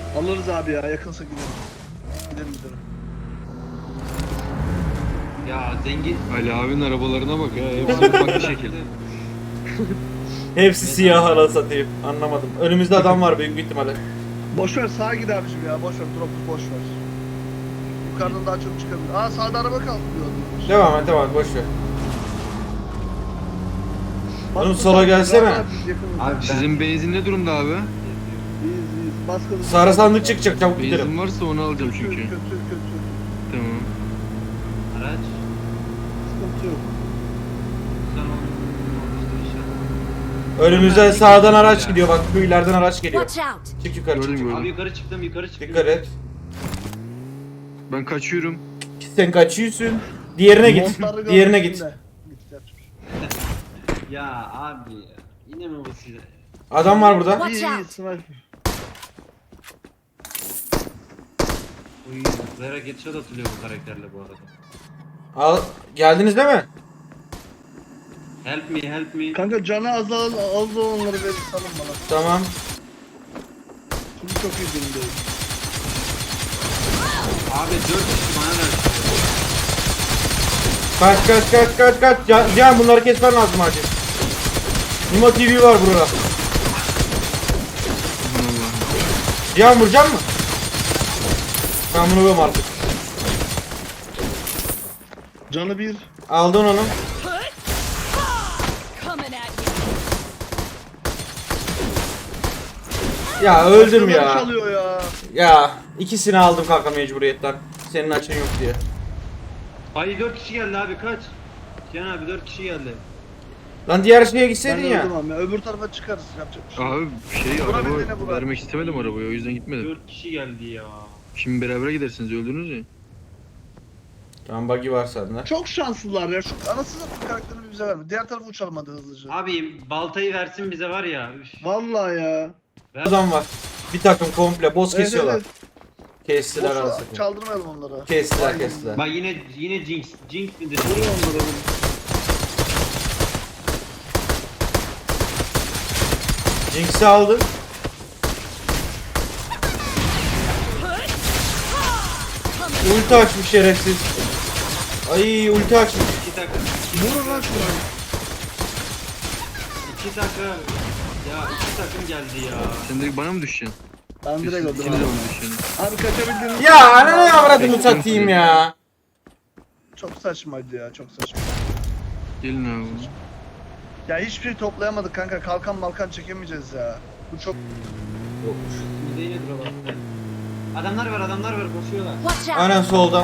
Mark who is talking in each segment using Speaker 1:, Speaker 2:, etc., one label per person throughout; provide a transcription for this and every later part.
Speaker 1: Alırız abi ya, yakınsa gidelim. Gidelim.
Speaker 2: Ya zengin.
Speaker 3: Ali abinin arabalarına bak ya. Hepsi farklı şekilde.
Speaker 4: Hepsi siyah hala satayım. Anlamadım. Önümüzde adam var büyük bir ihtimalle.
Speaker 1: Boş ver, sağa git abicim ya, boş ver, drop'u boş ver. Yukarıdan daha çok çıkabilir. Aa, sağda araba kalkıyor.
Speaker 4: Devam et boş ver.
Speaker 1: Bas
Speaker 4: Oğlum,
Speaker 1: bu
Speaker 4: sola
Speaker 1: tarafa,
Speaker 4: gelsene.
Speaker 1: rahat abi, yakınız.
Speaker 2: Abi
Speaker 3: Sizin benzin ne durumda abi?
Speaker 1: İyiyiz. Bas kızım.
Speaker 4: Sarı sandık çıkacak, çabuk gidelim.
Speaker 3: Benzin varsa onu alacağım
Speaker 1: Kötü.
Speaker 3: çünkü. Tamam.
Speaker 2: araç.
Speaker 1: Sıkıntı yok.
Speaker 2: Sen onu inşallah.
Speaker 4: Önümüzde sağdan araç gidiyor bak, şu ileriden araç geliyor.
Speaker 5: Watch out!
Speaker 4: Çık yukarı,
Speaker 3: Gördüm,
Speaker 4: çık.
Speaker 3: gördüm.
Speaker 2: Abi yukarı çıktım.
Speaker 4: Dikkat et.
Speaker 3: Ben kaçıyorum.
Speaker 4: Sen kaçıyorsun. Diğerine git.
Speaker 1: Montları
Speaker 4: Diğerine
Speaker 1: gördüm
Speaker 4: git.
Speaker 1: de.
Speaker 2: Ya abi ya. Yine mi bu size?
Speaker 4: Adam var burada.
Speaker 5: Watch
Speaker 1: İyi,
Speaker 5: out.
Speaker 1: sniper.
Speaker 2: Uy, Zera Getşat atılıyor bu karakterle bu arada.
Speaker 4: Al, geldiniz değil mi?
Speaker 2: Help me.
Speaker 1: Kanka canı az onları verin, salın bana.
Speaker 4: Tamam.
Speaker 1: Şimdi çok iyi durumdayım.
Speaker 2: Abi 4 kişi bana ver.
Speaker 4: Kaç. Cihan, bunları kesmen lazım acil. Nimo TV var burada.
Speaker 3: Aman Allah'ım.
Speaker 4: Cihan, vuracak mı? Ben bunu vuruyorum artık.
Speaker 1: Canı bir.
Speaker 4: Aldın onu.
Speaker 5: Coming at
Speaker 4: Ya öldüm
Speaker 1: Başkaları
Speaker 4: ya.
Speaker 1: çalıyor ya.
Speaker 4: Ya ikisini aldım kanka mecburiyetten. Senin açın yok diye.
Speaker 2: Ay 4 kişi geldi abi kaç. Cihan abi 4 kişi geldi.
Speaker 4: Lan diğer şeye
Speaker 1: Ben
Speaker 4: gitseydin ya.
Speaker 1: öldüm abi. Öbür tarafa çıkarız, yapacak bir şey yok.
Speaker 3: Abi
Speaker 1: Buna
Speaker 3: araba
Speaker 1: benzine buna.
Speaker 3: vermek istemedim arabayı, o yüzden gitmedim.
Speaker 2: 4 kişi geldi ya.
Speaker 3: Şimdi beraber gidersiniz, öldünüz ya.
Speaker 4: Tamam, buggy var sende.
Speaker 1: Çok şanslılar ya. Şu anasını satayım, karakterini bize verme. Diğer tarafa uçalım hadi hızlıca.
Speaker 2: Abi baltayı versin bize var ya. Üf.
Speaker 1: Vallahi ya.
Speaker 2: Ver.
Speaker 4: Adam var. Bir takım komple boss
Speaker 1: Evet,
Speaker 4: kesiyorlar.
Speaker 1: evet.
Speaker 4: Kestiler
Speaker 1: Boşu
Speaker 4: arasını.
Speaker 1: çaldırmayalım onlara.
Speaker 4: Kestiler.
Speaker 2: Bak yine Jinx. Jinx midir?
Speaker 1: Vurun onlara vurun.
Speaker 4: Jinx'i aldı. Ulti açmış şerefsiz. Ay, ulti açmış.
Speaker 2: 2 takım.
Speaker 1: Vurun lan şunu.
Speaker 2: 2 takım. Ya 2 takım geldi ya.
Speaker 3: Sen direkt bana mı düşeceksin?
Speaker 1: Ben direkt öldüm
Speaker 3: İkiniz de
Speaker 1: abi.
Speaker 3: bana düşeceksin.
Speaker 1: Abi kaçabildiniz.
Speaker 4: Ya ananı avradını satayım ya.
Speaker 1: Çok saçmaydı ya, çok saçma.
Speaker 3: Gelin abi.
Speaker 1: Ya hiçbir şey toplayamadık kanka. Kalkan malkan çekemeyeceğiz ya. Bu çok...
Speaker 2: Bize yine drop attı. Adamlar var koşuyorlar.
Speaker 5: Watch out!
Speaker 4: Aynen solda.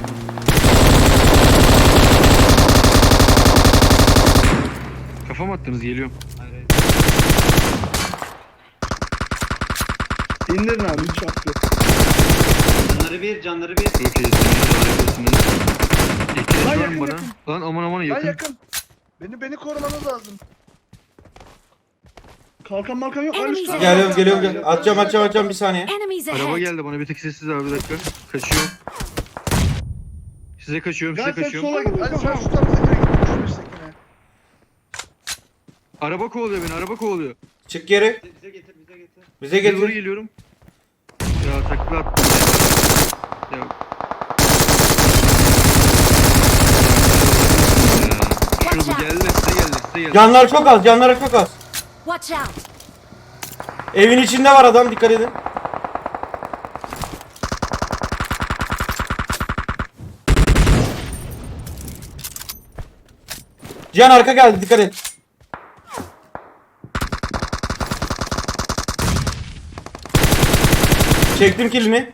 Speaker 3: Kafa mı attınız, geliyorum.
Speaker 2: Hayır hayır.
Speaker 1: İndirin abi, hiç hak yok.
Speaker 2: Canları bir.
Speaker 3: Çok iyisiniz, harikasınız. İhtiyaç
Speaker 1: Lan
Speaker 3: var
Speaker 1: yakın,
Speaker 3: mı bana?
Speaker 1: yakın.
Speaker 3: Lan aman
Speaker 1: Lan
Speaker 3: yakın.
Speaker 1: yakın. Beni korumanız lazım. Kalkan malkan yok. Lan üstte.
Speaker 4: Geliyorum. Atacağım bir saniye.
Speaker 5: Enemies
Speaker 3: Araba
Speaker 5: ahead!
Speaker 3: geldi bana, bir tek sessiz abi, bir dakika. Kaçıyorum. Size kaçıyorum,
Speaker 1: Gel
Speaker 3: size
Speaker 1: sen
Speaker 3: kaçıyorum.
Speaker 1: sola git. Hadi sen şu tarafa git. Şu üsttekine.
Speaker 3: Araba kovalıyor beni, araba kovalıyor.
Speaker 4: Çık geri.
Speaker 2: Bize getir.
Speaker 4: Bize
Speaker 3: Size doğru
Speaker 4: getir.
Speaker 3: geliyorum. Ya takla attım. Ya. Şurada geldi, size geldi.
Speaker 4: Canları çok az.
Speaker 5: Watch out!
Speaker 4: Evin içinde var adam, dikkat edin. Cihan, arka geldi, dikkat et. Çektim kilini.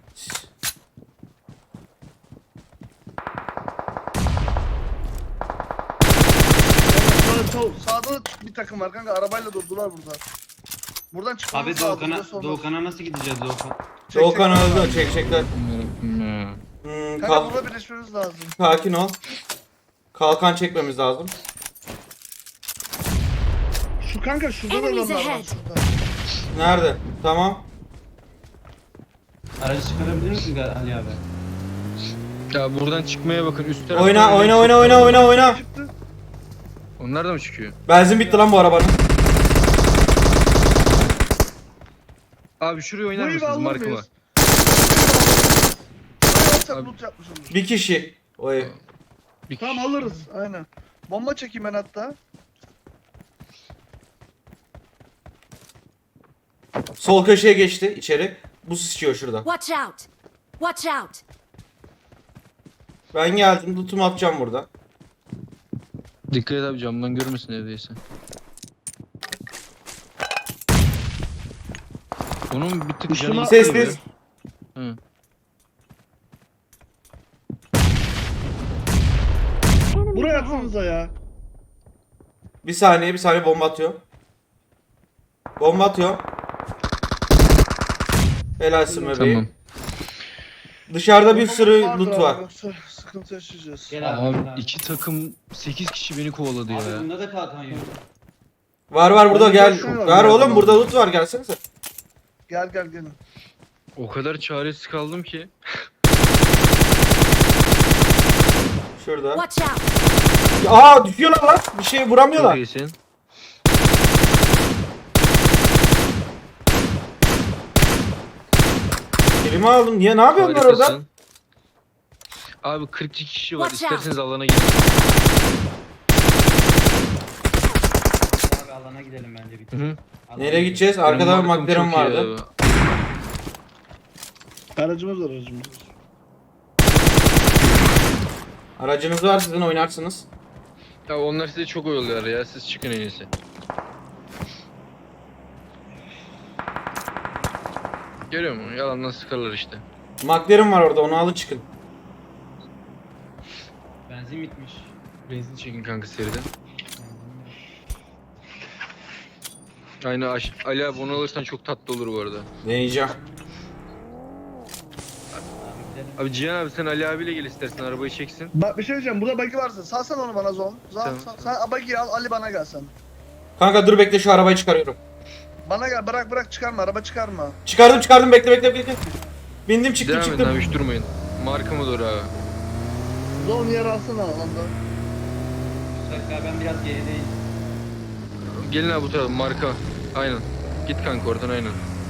Speaker 1: Sağda da bir takım var kanka. Arabayla durdular burada. Buradan çıkmamız
Speaker 2: Abi
Speaker 1: lazım. burası olmaz.
Speaker 2: Doğukan'a nasıl gideceğiz Doğukan?
Speaker 1: Çek,
Speaker 4: Doğukan
Speaker 1: çek.
Speaker 4: öldü, çekecekler.
Speaker 3: Ya.
Speaker 1: Kanka burada birleşmemiz lazım.
Speaker 4: Sakin ol. Kalkan çekmemiz lazım.
Speaker 1: Şu kanka şurada da
Speaker 5: Enemies
Speaker 1: adamlar var.
Speaker 5: ahead.
Speaker 1: Şurada.
Speaker 4: Nerede? Tamam.
Speaker 2: Aracı çıkarabilir misin Ali abi?
Speaker 3: Ya buradan çıkmaya bakın, üst tarafta.
Speaker 4: Oyna.
Speaker 1: Çıktı.
Speaker 3: Onlar da mı çıkıyor?
Speaker 4: Benzin bitti lan bu arabanın.
Speaker 3: Abi şuraya oynar
Speaker 1: Bu evi
Speaker 3: mısınız
Speaker 1: alır
Speaker 3: markıma?
Speaker 1: mıyız? Buraya
Speaker 3: Abi-
Speaker 1: loot yapmışımdır.
Speaker 4: Bir kişi. O ev.
Speaker 3: Bir
Speaker 1: Tamam
Speaker 3: kişi.
Speaker 1: alırız aynen. Bomba çekeyim ben hatta.
Speaker 4: Sol köşeye geçti içeri. Bu sıçıyor şurada.
Speaker 5: Watch out! Watch out!
Speaker 4: Ben geldim. Lootumu atacağım burada.
Speaker 3: Dikkat et abi camdan görmesin evdeyse. Onun bir tık
Speaker 1: Üstüne-
Speaker 3: canı
Speaker 4: Ses
Speaker 3: gibi.
Speaker 4: ses.
Speaker 3: Hı.
Speaker 1: Buraya atsanıza ya.
Speaker 4: Bir saniye bomba atıyor. Bomba atıyor. Helalsin bebeğim.
Speaker 3: Tamam.
Speaker 4: Dışarıda bir sürü
Speaker 1: Vardır
Speaker 4: loot
Speaker 1: abi,
Speaker 4: var.
Speaker 1: Yoksa sıkıntı yaşayacağız.
Speaker 2: Gel abi.
Speaker 3: Abi
Speaker 2: gel abi.
Speaker 3: iki takım 8 kişi beni kovaladı
Speaker 2: Abi
Speaker 3: ya.
Speaker 2: bunda da kalkan yok.
Speaker 4: Var burada
Speaker 1: Ben
Speaker 4: gel.
Speaker 1: boşuna
Speaker 4: Ver
Speaker 1: var
Speaker 4: oğlum
Speaker 1: ya.
Speaker 4: burada loot var gelsenize.
Speaker 1: Gel gelin.
Speaker 3: O kadar çaresiz kaldım ki.
Speaker 4: Şurada.
Speaker 5: Watch out!
Speaker 4: Aa düşüyorlar lan. Bir şey
Speaker 3: Çok
Speaker 4: vuramıyorlar.
Speaker 3: iyisin.
Speaker 4: Elime aldım. Niye ne yapıyorlar orada?
Speaker 3: Harikasın. Abi 42 kişi var.
Speaker 5: Watch out.
Speaker 3: İsterseniz alana gidin.
Speaker 2: Abi alana gidelim bence bir
Speaker 3: Hı
Speaker 2: tık.
Speaker 3: hı.
Speaker 2: Alana
Speaker 4: Nereye
Speaker 2: gidelim.
Speaker 4: gideceğiz?
Speaker 3: Benim
Speaker 4: Arkada bir
Speaker 3: markam
Speaker 4: McLaren
Speaker 3: çok iyi
Speaker 4: vardı.
Speaker 3: abi.
Speaker 1: Aracımız var aracımız.
Speaker 4: Aracınız var sizin oynarsınız.
Speaker 3: Ya onlar size çok oyalıyorlar ya. Siz çıkın en iyisi. Görüyor musun? Yalandan sıkarlar işte.
Speaker 4: McLaren var orada onu alın çıkın.
Speaker 2: Benzin bitmiş.
Speaker 3: Benzin çekin kanka seriden.
Speaker 2: Benzin yok.
Speaker 3: Aynı Ali abi onu alırsan çok tatlı olur bu arada.
Speaker 4: Deneyeceğim.
Speaker 2: Abi gidelim.
Speaker 3: Abi Cihan abi sen Ali abiyle gel istersen arabayı çeksin.
Speaker 1: Bak bir şey diyeceğim. Burada buggy varsa salsana onu bana zon.
Speaker 3: Tamam.
Speaker 1: Sen buggy'yi al, Ali bana gel sen.
Speaker 4: Kanka dur bekle şu arabayı çıkarıyorum.
Speaker 1: Bana gel, bırak çıkarma, araba çıkarma.
Speaker 4: Çıkardım bekle. Bindim çıktım
Speaker 3: Devam edin
Speaker 4: çıktım.
Speaker 3: abi hiç durmayın. Markamı doğru abi.
Speaker 1: Zon yer alsana alanda.
Speaker 2: Mustafa ben biraz gerideyim.
Speaker 3: Gelin abi bu tarafa marka. Aynen. Git kanka oradan aynen.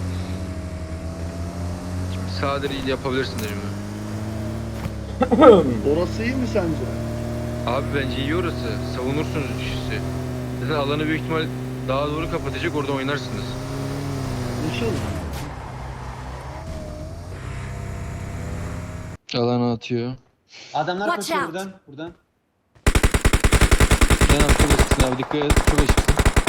Speaker 3: Şimdi sağdır yapabilirsin dedim ya.
Speaker 1: Orası iyi mi sence?
Speaker 3: Abi bence iyi orası. Savunursunuz işi. Zaten alanı büyük ihtimal daha doğru kapatacak orada oynarsınız.
Speaker 1: İnşallah.
Speaker 3: Alana atıyor.
Speaker 2: Adamlar
Speaker 5: Watch
Speaker 2: koşuyor
Speaker 5: out.
Speaker 2: buradan. Buradan.
Speaker 3: Sen abi çok açıksın abi dikkat et. Çok açıksın.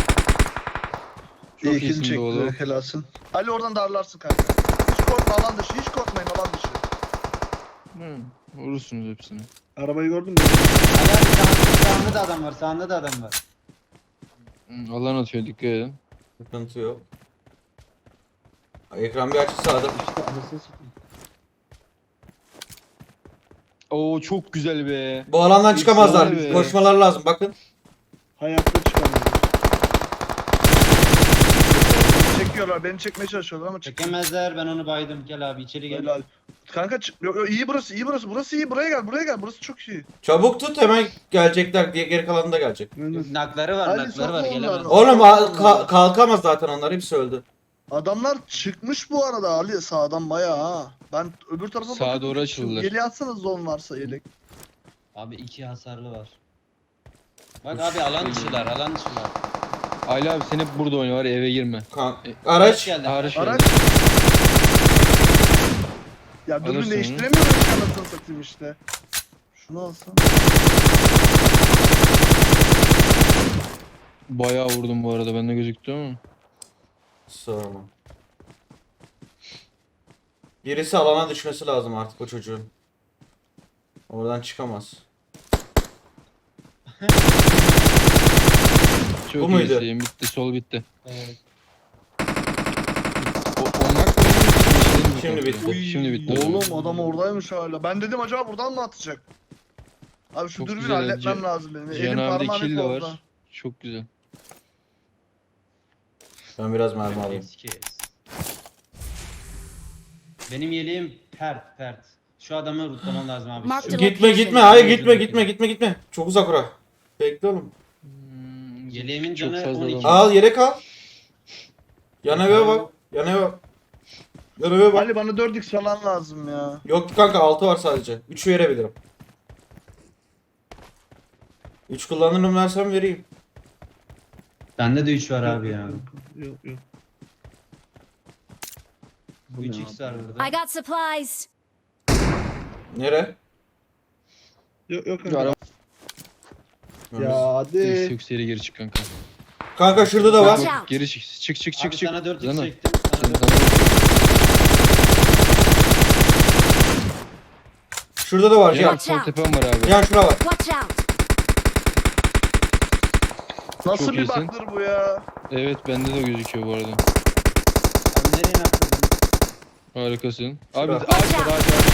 Speaker 3: Çok
Speaker 1: İyi kill
Speaker 3: iyisin
Speaker 1: çekti,
Speaker 3: oğlum.
Speaker 1: helalsin. Ali oradan darlarsın kanka. Hiç korkma alan dışı, hiç korkmayın alan dışı.
Speaker 3: Hı, vurursunuz hepsini.
Speaker 1: Arabayı gördün mü?
Speaker 2: Ali abi sağında da adam var. Sağında da adam var.
Speaker 3: Hı, alan atıyor dikkat edin.
Speaker 4: Sıkıntı yok. Ekran bir açı sağda.
Speaker 3: Oo çok güzel be.
Speaker 4: Bu alandan çıkamazlar.
Speaker 3: Efsane be.
Speaker 4: Koşmalar lazım bakın.
Speaker 1: Hayatta çıkamıyor. Çekiyorlar, beni çekmeye çalışıyorlar ama çekemez.
Speaker 2: Çekemezler. Ben onu baydım. Gel abi içeri gel.
Speaker 1: Helal. Kanka yok, iyi burası, iyi burası. Burası iyi, buraya gel. Burası çok iyi.
Speaker 4: Çabuk tut hemen gelecekler diye geri kalanı da gelecek.
Speaker 2: Nakları var.
Speaker 1: Ali,
Speaker 2: Nakları var.
Speaker 1: sokma
Speaker 2: Gelemez.
Speaker 1: onları.
Speaker 4: Oğlum kalkamaz zaten onlar hepsi öldü.
Speaker 1: Adamlar çıkmış bu arada Ali sağdan bayağı ha. Ben öbür tarafa
Speaker 3: Sağa
Speaker 1: bakıp
Speaker 3: doğru açıldılar.
Speaker 1: Yeleği atsanız zon varsa yelek.
Speaker 2: Abi 2 hasarlı var. Bak abi alan dışılar. Alan dışılar.
Speaker 3: Ali abi sen hep burada oyna var ya, eve girme.
Speaker 4: Araç.
Speaker 2: geldi.
Speaker 3: Araç
Speaker 1: Araç.
Speaker 3: geldi.
Speaker 1: Ya
Speaker 3: Alırsın
Speaker 1: dürbün
Speaker 3: onu.
Speaker 1: değiştiremiyorum ki anasını satayım işte. Şunu alsam.
Speaker 3: Bayağı vurdum bu arada bende gözüktü ama.
Speaker 4: Sorma. Birisi alana düşmesi lazım artık o çocuğun. Oradan çıkamaz.
Speaker 3: Çok
Speaker 4: Bu muydu?
Speaker 3: iyisin. Bitti sol bitti.
Speaker 2: Evet.
Speaker 3: Onlar
Speaker 4: Şimdi bitti.
Speaker 3: Şimdi bitti.
Speaker 1: Oğlum adam oradaymış hala. Ben dedim acaba buradan mı atacak? Abi şu
Speaker 3: Çok
Speaker 1: dürbünü
Speaker 3: güzel
Speaker 1: halletmem
Speaker 3: Cihan-
Speaker 1: lazım benim.
Speaker 3: Cihan
Speaker 1: Elim
Speaker 3: abi de
Speaker 1: parmağım
Speaker 3: kill
Speaker 1: hep
Speaker 3: de
Speaker 1: orada.
Speaker 3: var. Çok güzel.
Speaker 4: Ben biraz mermi alayım.
Speaker 2: Sikeyim. Benim yeleğim pert. Şu adamı rutlamam lazım abi.
Speaker 5: Mark
Speaker 2: Şu-
Speaker 5: the
Speaker 4: Gitme hayır gitme. Çok uzak ora. Bekle oğlum.
Speaker 2: Yeleğimin
Speaker 3: Çok
Speaker 2: canı
Speaker 3: fazla
Speaker 2: 12.
Speaker 3: adam var.
Speaker 4: Al yere kal. Yan eve bak. Yan eve bak. Arabaya bak.
Speaker 1: Ali bana 4x falan lazım ya.
Speaker 4: Yok kanka 6 var sadece. 3 verebilirim. 3 kullanırım versem vereyim.
Speaker 2: Bende de 3 var abi ya.
Speaker 1: Yok yok.
Speaker 2: Bu 3x var burada.
Speaker 5: I got supplies.
Speaker 4: Nere?
Speaker 1: Yok
Speaker 3: Şu araba
Speaker 1: Ya hadi.
Speaker 3: yükseğe geri çık kanka.
Speaker 4: Kanka şurada da var.
Speaker 5: Watch out.
Speaker 3: Geri çık. Çık çık çık
Speaker 2: Abi
Speaker 3: çık.
Speaker 2: sana 4x
Speaker 3: Zana.
Speaker 2: çektim. Sana
Speaker 3: Sen
Speaker 2: 4x.
Speaker 4: Şurada da var
Speaker 3: Cihan
Speaker 4: Cihan.
Speaker 3: sol tepem var abi.
Speaker 4: Cihan şura var.
Speaker 5: Watch out.
Speaker 1: Nasıl
Speaker 3: Çok
Speaker 1: bir
Speaker 3: iyisin.
Speaker 1: baktır bu ya?
Speaker 3: Evet bende de gözüküyor bu arada.
Speaker 2: Abi nereye nakledin?
Speaker 3: Harikasın.
Speaker 4: Şurada.
Speaker 3: Abi ağaç var ağaç var.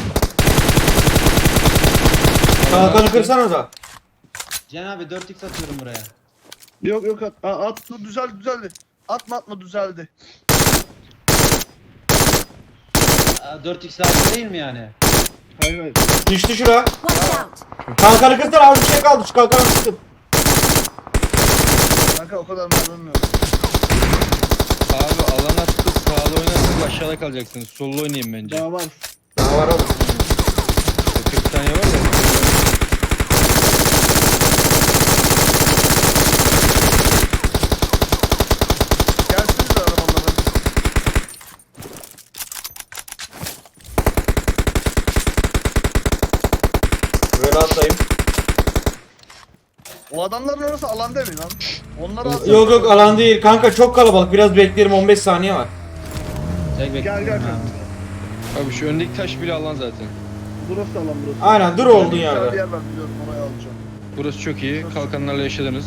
Speaker 4: Kalkanı kırsana da.
Speaker 2: Cihan abi 4x atıyorum buraya.
Speaker 1: Yok yok at düzeldi. Atma düzeldi.
Speaker 2: 4x lazım değil mi yani?
Speaker 1: Hayır.
Speaker 4: Düştü şura.
Speaker 5: Watch out.
Speaker 4: Kalkanı kırsana az bir şey kaldı. Şu kalkanı kırsın.
Speaker 1: Kanka o kadar mermim yok.
Speaker 3: Abi alan attık sağda oynarsanız aşağıda kalacaksınız. Solda oynayayım bence.
Speaker 1: Daha var.
Speaker 4: Daha var oğlum.
Speaker 3: 40 saniye var ya.
Speaker 1: Gelsiniz de arabalara.
Speaker 4: Böyle atlayayım.
Speaker 1: O adamların orası alan değil mi lan? Onları alsana.
Speaker 4: Yok yok alan değil. Kanka çok kalabalık. Biraz beklerim 15 saniye var.
Speaker 2: Tek bekliyorum
Speaker 1: Gel.
Speaker 2: abi.
Speaker 3: Abi şu öndeki taş bile alan zaten.
Speaker 1: Burası alan burası.
Speaker 4: Aynen dur oldun
Speaker 1: Bir tane
Speaker 4: yerde.
Speaker 1: yer var biliyorum orayı alacağım.
Speaker 3: Burası çok iyi. Kalkanlarla yaşadınız.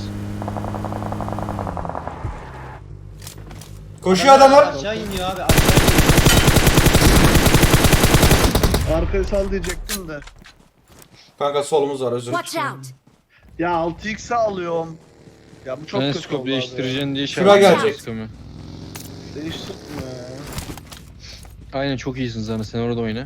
Speaker 4: Koşuyor adamlar.
Speaker 2: Aşağı iniyor abi aşağı iniyor.
Speaker 1: Arkayı sal diyecektim de.
Speaker 4: Kanka solumuz var özür
Speaker 5: Watch
Speaker 4: dilerim.
Speaker 5: out.
Speaker 1: Ya 6x'e alıyorum. Ya bu çok
Speaker 3: Ben
Speaker 1: kötü
Speaker 3: scope
Speaker 1: oldu abi.
Speaker 3: değiştireceğim diye
Speaker 4: Şura gelecek.
Speaker 3: scope'u.
Speaker 1: Değiştirdim ya.
Speaker 3: Aynen çok iyisin Zana sen orada oyna.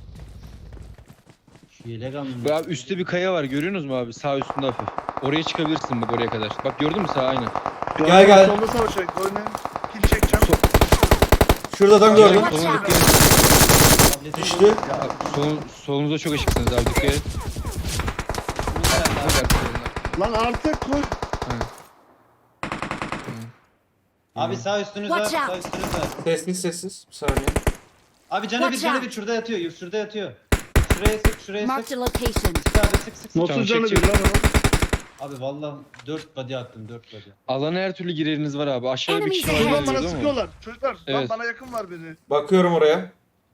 Speaker 2: Şu yelek alın.
Speaker 3: Bu abi üstte bir kaya var görüyorsunuz mu abi? Sağ üstünde hafif. Oraya çıkabilirsin bak oraya kadar. Bak gördün mü sağ aynen.
Speaker 4: Gel.
Speaker 1: Solda savaşacak. Oynayın. Kill çekeceğim.
Speaker 4: Şurada adam gördüm.
Speaker 5: Watch
Speaker 3: Soluna
Speaker 5: out.
Speaker 3: dikkat et.
Speaker 2: Tableti
Speaker 4: Düştü.
Speaker 3: Abi, solunuzda çok ışıksınız abi dikkat et.
Speaker 1: Lan artık koy.
Speaker 2: Abi sağ üstünüz var.
Speaker 5: Watch
Speaker 2: Sağ
Speaker 5: out.
Speaker 2: üstünüz var.
Speaker 4: Sessiz sessiz. Bir saniye.
Speaker 2: Abi canı bir
Speaker 5: Watch
Speaker 2: canı
Speaker 5: out.
Speaker 2: bir şurada yatıyor. Şurada yatıyor. Şuraya sık şuraya
Speaker 5: Marked
Speaker 2: sık.
Speaker 5: a location.
Speaker 2: Sık abi sık sık sık.
Speaker 1: Nasıl
Speaker 3: Tamam,
Speaker 1: canı
Speaker 3: çek,
Speaker 1: bir lan o?
Speaker 2: Abi vallahi 4 body attım 4 body.
Speaker 3: Alana her türlü gireriniz var abi. Aşağıda bir kişi var.
Speaker 5: Enemies
Speaker 1: Ulan
Speaker 5: ahead.
Speaker 1: bana
Speaker 3: değil mi?
Speaker 1: sıkıyorlar. Çocuklar lan
Speaker 3: Evet.
Speaker 1: bana yakın var biri.
Speaker 4: Bakıyorum oraya.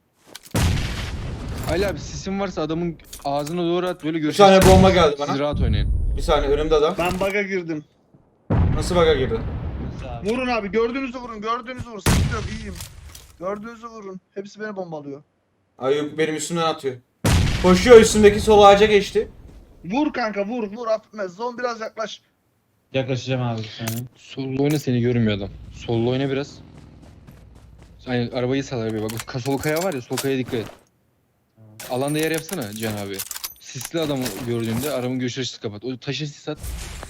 Speaker 3: Ali abi sisin varsa adamın ağzına doğru at böyle
Speaker 4: Bir
Speaker 3: görüşürüz.
Speaker 4: tane bomba geldi
Speaker 3: Siz
Speaker 4: bana.
Speaker 3: rahat oynayın.
Speaker 4: Bir saniye önümde adam.
Speaker 1: Ben bug'a girdim.
Speaker 4: Nasıl baga girdi?
Speaker 2: Nasıl abi?
Speaker 1: Vurun abi gördüğünüzü vurun. Gördüğünüzü vurun. Sıkıntı yok iyiyim. Gördüğünüzü vurun. Hepsi beni bombalıyor.
Speaker 4: Ayıp benim üstümden atıyor. Koşuyor üstümdeki sol ağaca geçti.
Speaker 1: Vur kanka vur affetmez. Zon biraz yaklaş.
Speaker 2: Yaklaşacağım abi bir saniye.
Speaker 3: Solda oyna seni görmüyor adam. Solda oyna biraz. Aynen arabayı sal arabaya bak. Sol kaya var ya sol kaya dikkat et. Alanda yer yapsana Can abi. Sisli adamı gördüğünde arabanın görüş açısı kapat. O taşı sis at.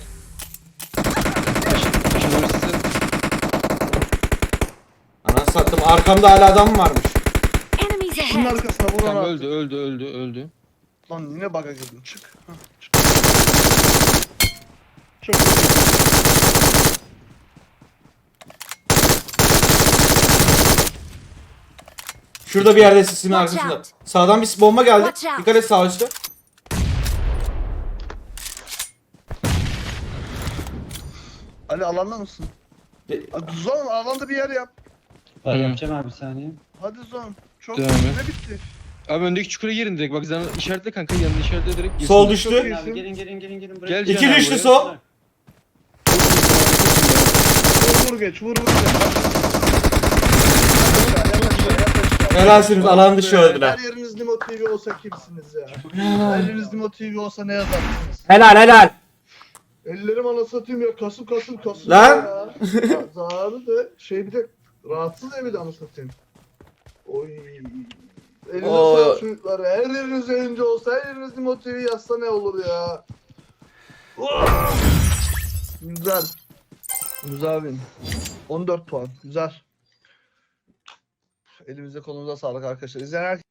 Speaker 3: Taşın doğru sis at.
Speaker 4: Anasını sattım. Arkamda hala adam mı varmış?
Speaker 5: Enemies
Speaker 1: Şunun
Speaker 5: ahead.
Speaker 1: arkasına vurun
Speaker 3: Tamam
Speaker 1: abi.
Speaker 3: öldü.
Speaker 1: Lan yine bug'a girdim. Çık. Hah, çık. Çok kötü.
Speaker 4: Şurada bir yerde sisimin
Speaker 5: Watch
Speaker 4: arkasında.
Speaker 5: out.
Speaker 4: Sağdan bir bomba geldi.
Speaker 5: Watch out.
Speaker 4: Dikkat et sağ üstte.
Speaker 1: Ali alanda mısın?
Speaker 4: De-
Speaker 1: Zon alanda bir yer yap.
Speaker 2: Bak
Speaker 3: Hı.
Speaker 2: yapacağım abi bir saniye.
Speaker 1: Hadi Zon. Çok
Speaker 3: Devam
Speaker 1: kötü.
Speaker 3: et.
Speaker 1: Ne bitti?
Speaker 3: Abi öndeki çukura girin direkt. Bak sen işaretle kanka yanına işaretle direkt. girsin.
Speaker 4: Sol
Speaker 1: Çok
Speaker 4: düştü.
Speaker 1: iyi.
Speaker 2: Abi gelin buraya.
Speaker 3: Gel
Speaker 4: İki
Speaker 3: Cihan abi
Speaker 4: düştü
Speaker 3: buraya.
Speaker 4: sol.
Speaker 1: Vur geç vur.
Speaker 4: Helalsiniz alan dışı öldüler.
Speaker 1: Her yeriniz Limo TV olsa kimsiniz ya? Her yeriniz Limo TV olsa ne yazarsınız?
Speaker 4: Helal.
Speaker 1: Ellerim ana satayım ya kasım.
Speaker 4: Lan!
Speaker 1: Ya. Zararı da şey bir de rahatsız evi de ana satayım. Oy. Eliniz
Speaker 4: Oo.
Speaker 1: sağlık çocuklar. Her yeriniz yayıncı olsa her yeriniz Limo TV yazsa ne olur ya? Güzel. Güzel win. 14 puan. Güzel. Elimize kolumuza sağlık arkadaşlar. İzleyen herkese